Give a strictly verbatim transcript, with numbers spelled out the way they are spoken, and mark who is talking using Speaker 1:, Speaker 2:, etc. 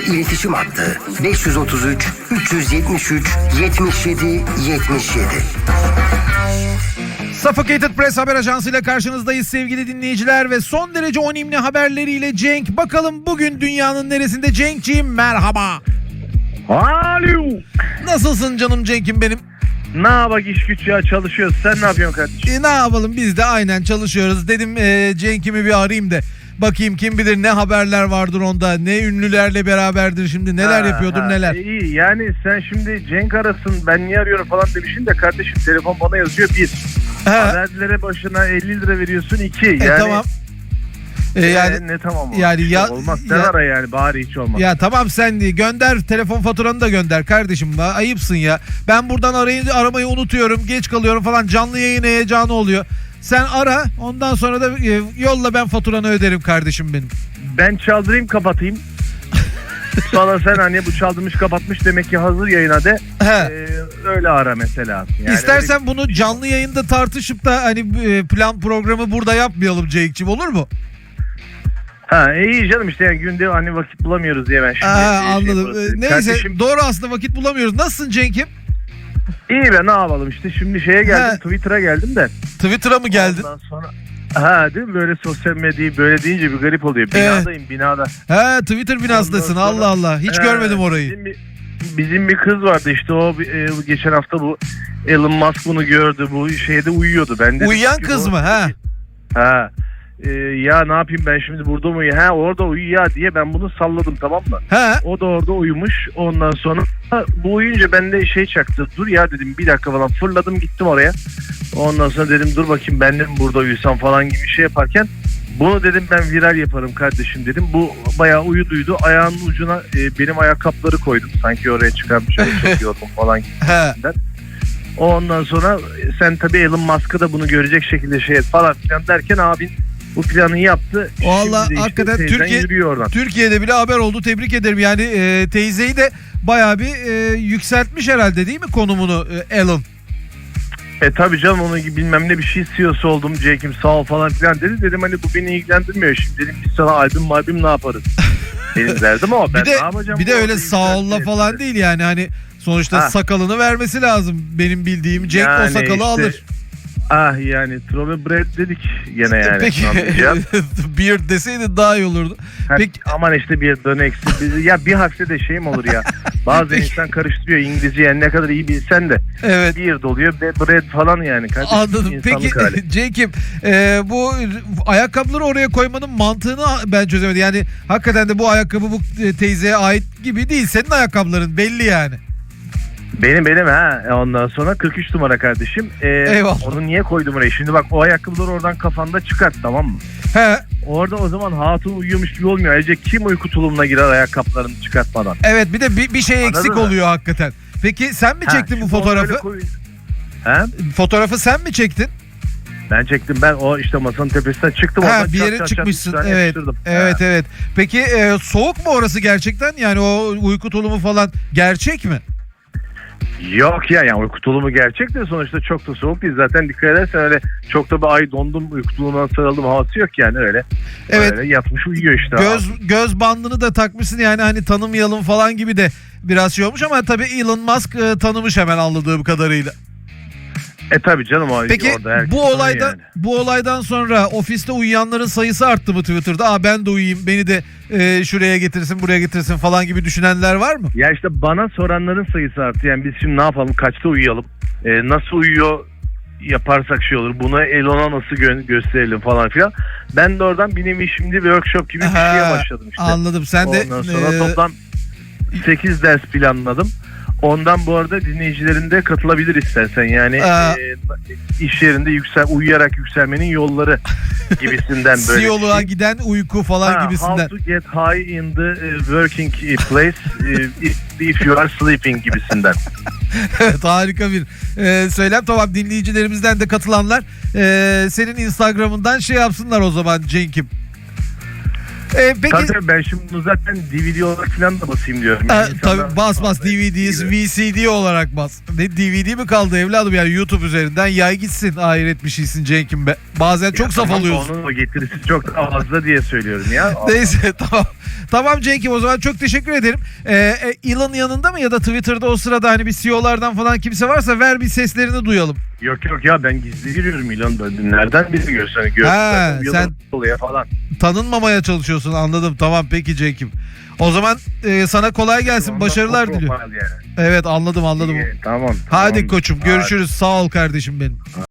Speaker 1: İletişim hattı beş yüz otuz üç üç yetmiş üç yetmiş yedi yetmiş yedi.
Speaker 2: Suffocated Press haber ajansıyla karşınızdayız sevgili dinleyiciler ve son derece önemli haberleriyle Cenk. Bakalım bugün dünyanın neresinde? Cenk'ciğim merhaba.
Speaker 3: Alo.
Speaker 2: Nasılsın canım Cenk'im benim?
Speaker 3: Ne yapak, iş güç ya, çalışıyoruz. Sen ne yapıyorsun kardeşim?
Speaker 2: E, ne yapalım, biz de aynen çalışıyoruz. Dedim e, Cenk'imi bir arayayım da bakayım, kim bilir ne haberler vardır onda, ne ünlülerle beraberdir şimdi, neler
Speaker 3: Ha,
Speaker 2: yapıyordur
Speaker 3: ha,
Speaker 2: neler.
Speaker 3: İyi yani, sen şimdi Cenk arasın ben niye arıyorum falan demişsin de kardeşim, telefon bana yazıyor bir.
Speaker 2: He.
Speaker 3: Haberlere başına elli lira veriyorsun iki.
Speaker 2: E,
Speaker 3: Yani,
Speaker 2: tamam. E, yani
Speaker 3: e, ne tamam
Speaker 2: yani
Speaker 3: yani
Speaker 2: ya-
Speaker 3: olmaz. Sen
Speaker 2: ya-
Speaker 3: ara yani, bari hiç olmaz.
Speaker 2: Ya tamam, sen de gönder, telefon faturanı da gönder kardeşim. Ba- Ayıpsın ya. Ben buradan arayı, aramayı unutuyorum, geç kalıyorum falan, canlı yayın heyecanı oluyor. Sen ara, ondan sonra da e, yolla, ben faturanı öderim kardeşim benim.
Speaker 3: Ben çaldırayım kapatayım. Sonra sen hani bu çaldırmış kapatmış demek ki hazır yayına de
Speaker 2: He.
Speaker 3: e, öyle ara mesela. Yani
Speaker 2: İstersen bunu canlı yayında tartışıp da hani e, plan programı burada yapmayalım Cenk'ciğim, olur mu?
Speaker 3: Ha iyi canım, işte yani günde hani vakit bulamıyoruz diye ben şimdi.
Speaker 2: Aa,
Speaker 3: şey
Speaker 2: anladım.
Speaker 3: yapıyorum.
Speaker 2: Ee, Neyse,
Speaker 3: Kardeşim,
Speaker 2: doğru, aslında vakit bulamıyoruz. Nasılsın Cenk'im?
Speaker 3: iyi be, ne yapalım işte, şimdi şeye geldim,
Speaker 2: Ha.
Speaker 3: Twitter'a geldim de.
Speaker 2: Twitter'a mı geldin?
Speaker 3: Ondan sonra ha değil mi, böyle sosyal medyayı böyle deyince bir garip oluyor. Binadayım, binada.
Speaker 2: He, Twitter binasındasın.
Speaker 3: Ondan sonra-
Speaker 2: Allah Allah. Hiç
Speaker 3: He,
Speaker 2: görmedim orayı.
Speaker 3: Bizim bir, bizim bir kız vardı işte, o e, geçen hafta bu Elon Musk bunu gördü, bu şeyde uyuyordu. Ben de
Speaker 2: Uyuyan
Speaker 3: dedim ki
Speaker 2: kız
Speaker 3: bu-
Speaker 2: mı? Ha.
Speaker 3: Ha. E, ya ne yapayım ben şimdi, burada mı uyuyor? Ha, orada uyuyor ya diye ben bunu salladım, tamam mı?
Speaker 2: He.
Speaker 3: O da orada uyumuş. Ondan sonra bu uyuyunca bende şey çaktı. Dur ya dedim, bir dakika falan, fırladım gittim oraya. Ondan sonra dedim dur bakayım, ben de mi burada uyusam falan gibi şey yaparken, bunu dedim ben viral yaparım kardeşim dedim. Bu bayağı uyuduydu. Ayağının ucuna e, benim ayakkabıları koydum. Sanki oraya çıkarmış, öyle çekiyordum falan gibi.
Speaker 2: He.
Speaker 3: Ondan sonra e, sen tabii Elon Musk'ı da bunu görecek şekilde şey et falan filan derken, abin bu planı yaptı.
Speaker 2: Vallahi
Speaker 3: Şimdi de işte
Speaker 2: hakikaten
Speaker 3: teyzen
Speaker 2: Türkiye-
Speaker 3: yürüyor oradan.
Speaker 2: Türkiye'de bile haber oldu. Tebrik ederim. Yani e, teyzeyi de bayağı bir e, yükseltmiş herhalde, değil mi konumunu e, Elon?
Speaker 3: E tabii canım, onun gibi bilmem ne bir şey C E O'su oldum Cenk'im, sağ ol falan filan dedi. Dedim hani bu beni ilgilendirmiyor. Şimdi dedim biz sana albüm malbüm ne yaparız? Benim derdim o. Ben
Speaker 2: Bir de
Speaker 3: ne yapacağım?
Speaker 2: bir de
Speaker 3: bu
Speaker 2: öyle
Speaker 3: orada
Speaker 2: sağ olla
Speaker 3: yükseltmeye?
Speaker 2: falan değil yani, hani sonuçta
Speaker 3: Ha.
Speaker 2: sakalını vermesi lazım. Benim bildiğim Cenk o
Speaker 3: Yani
Speaker 2: sakalı
Speaker 3: işte,
Speaker 2: alır.
Speaker 3: Ah yani Trove dedik gene yani.
Speaker 2: Peki
Speaker 3: Anlayacağım.
Speaker 2: beard deseydin daha iyi olurdu.
Speaker 3: Ha,
Speaker 2: Peki
Speaker 3: aman işte bir dön eksi. Biz- Ya bir harfle de şey mi olur ya? Bazen
Speaker 2: Peki.
Speaker 3: insan karıştırıyor İngilizce, yani ne kadar iyi bilsen de.
Speaker 2: evet.
Speaker 3: Beard oluyor, bread falan yani. Kardeşim,
Speaker 2: Anladım.
Speaker 3: insanlık
Speaker 2: Peki
Speaker 3: hali.
Speaker 2: Cenk'im, e, bu ayakkabıları oraya koymanın mantığını ben çözemedim. Yani hakikaten de bu ayakkabı bu teyzeye ait gibi değil. Senin ayakkabıların belli yani.
Speaker 3: Benim benim ha. Ondan sonra kırk üç numara kardeşim. Ee,
Speaker 2: Eyvallah.
Speaker 3: Onu niye koydum oraya? Şimdi bak, o ayakkabıları oradan kafanda çıkart, tamam mı?
Speaker 2: He,
Speaker 3: Orada o zaman hatun uyuyormuş gibi olmuyor. Ayrıca kim uyku tulumuna girer ayakkabılarını çıkartmadan?
Speaker 2: evet, bir de bir, bir şey
Speaker 3: Anladın
Speaker 2: eksik
Speaker 3: mı?
Speaker 2: oluyor hakikaten. Peki sen mi
Speaker 3: Ha,
Speaker 2: çektin bu
Speaker 3: şimdi onu
Speaker 2: fotoğrafı?
Speaker 3: öyle koy- Ha?
Speaker 2: Fotoğrafı sen mi çektin?
Speaker 3: Ben çektim, ben o işte masanın tepesinden çıktım.
Speaker 2: Ha,
Speaker 3: oradan
Speaker 2: bir
Speaker 3: çat
Speaker 2: yere
Speaker 3: çat çat
Speaker 2: çıkmışsın.
Speaker 3: üç tane
Speaker 2: Evet.
Speaker 3: yapıştırdım.
Speaker 2: Evet
Speaker 3: Ha.
Speaker 2: evet. Peki e, soğuk mu orası gerçekten? Yani o uyku tulumu falan gerçek mi?
Speaker 3: Yok ya, yani uyku tulumu gerçek de sonuçta çok da soğuk değil. Zaten dikkat edersen öyle çok da bir ay dondum, uyku tulumuna sarıldım havası yok yani, öyle.
Speaker 2: Evet.
Speaker 3: Öyle yatmış uyuyor işte.
Speaker 2: Göz göz bandını da takmışsın, yani hani tanımayalım falan gibi de biraz şey olmuş, ama tabii Elon Musk e, tanımış hemen anladığım kadarıyla.
Speaker 3: E tabii canım, o
Speaker 2: Peki
Speaker 3: orada herkes
Speaker 2: bu
Speaker 3: tanıyor
Speaker 2: olaydan
Speaker 3: yani.
Speaker 2: bu olaydan sonra ofiste uyuyanların sayısı arttı mı Twitter'da? Aa, ben de uyuyayım, beni de e, şuraya getirsin, buraya getirsin falan gibi düşünenler var mı?
Speaker 3: Ya işte bana soranların sayısı arttı. Yani biz şimdi ne yapalım, kaçta uyuyalım, e, nasıl uyuyor yaparsak şey olur, bunu Elon'a nasıl gö- gösterelim falan filan. Ben de oradan bir nevi şimdi workshop gibi bir
Speaker 2: Ha,
Speaker 3: şeye başladım işte.
Speaker 2: Anladım. Sen de
Speaker 3: Ondan sonra
Speaker 2: e,
Speaker 3: toplam sekiz ders planladım. Ondan bu arada dinleyicilerin de katılabilir istersen. Yani
Speaker 2: Aa.
Speaker 3: e, iş yerinde yüksel, uyuyarak yükselmenin yolları gibisinden böyle.
Speaker 2: Siyoluğa
Speaker 3: bir şey.
Speaker 2: giden uyku falan
Speaker 3: Ha,
Speaker 2: gibisinden.
Speaker 3: How to get high in the uh, working place uh, if, if you are sleeping gibisinden.
Speaker 2: Evet, harika bir e, söylem. Tamam, dinleyicilerimizden de katılanlar e, senin Instagram'ından şey yapsınlar o zaman Cenk'im. E, peki
Speaker 3: Tabii tabii, ben şimdi bunu zaten D V D olarak falan da basayım diyorum.
Speaker 2: e,
Speaker 3: Yani insanlar-
Speaker 2: tabii bas bas D V D, V C D olarak bas. Ne D V D mi kaldı evladım, yani YouTube üzerinden yay gitsin. Hayret bir şeysin Cenk'im be. Bazen çok
Speaker 3: Ya
Speaker 2: saf
Speaker 3: tamam,
Speaker 2: oluyorsun.
Speaker 3: Onun o getirisi çok daha fazla diye söylüyorum ya.
Speaker 2: Neyse tamam. Tamam Cenk'im, o zaman çok teşekkür ederim. Ee, e, Elon yanında mı ya da Twitter'da o sırada hani bir C E O'lardan falan kimse varsa ver bir seslerini duyalım.
Speaker 3: Yok yok ya, ben gizli giriyorum İlhan'da. Nereden bizi görsen
Speaker 2: Ha,
Speaker 3: görsen.
Speaker 2: sen-
Speaker 3: oluyor falan.
Speaker 2: Tanınmamaya çalışıyorsun, anladım. Tamam peki Cenk'im. O zaman e, sana kolay gelsin,
Speaker 3: Ondan
Speaker 2: başarılar
Speaker 3: çok
Speaker 2: diliyorum.
Speaker 3: normal yani.
Speaker 2: Evet, anladım anladım.
Speaker 3: İyi, tamam.
Speaker 2: Hadi
Speaker 3: tamam.
Speaker 2: koçum,
Speaker 3: Hadi.
Speaker 2: görüşürüz. Sağ ol kardeşim benim.